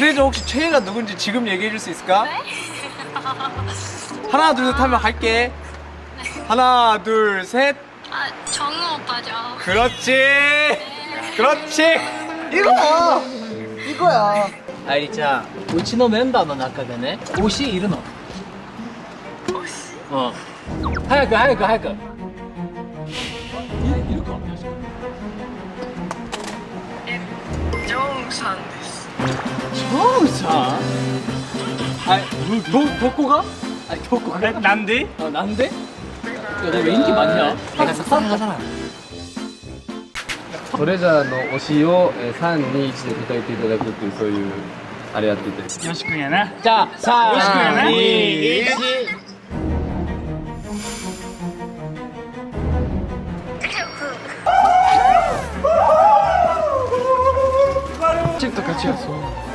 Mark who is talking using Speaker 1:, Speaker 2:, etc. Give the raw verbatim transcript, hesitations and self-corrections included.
Speaker 1: 트레저 혹시 최애가 누군지 지금 얘기해 줄 수 있을까?
Speaker 2: 네?
Speaker 1: 하나 둘 셋 하면 할게. 하나 둘 셋.
Speaker 2: 아, 정우 오빠죠.
Speaker 1: 그렇지. 그렇지. 이거야. 이거야.
Speaker 3: 愛理ちゃん、うちのメンバーの中でね、推しいるの？
Speaker 2: 推し？
Speaker 3: うん。早く早く早く。いいるか？
Speaker 2: え、ジョンさんです。
Speaker 3: ジョンさん？あれ、どどこが？あれどこが？
Speaker 4: なんで?
Speaker 3: 아, 난데? 야, 내가 왜 인기 많냐? 내가 싹싹하잖아.
Speaker 5: トレジャーの推しをえーさんにいちで答えていただくっていうそういうあれやってて
Speaker 4: よしくんやな。
Speaker 3: 자,
Speaker 4: よろしくやな。
Speaker 3: 삼, 이, 일.
Speaker 1: 집도 같이 갔어.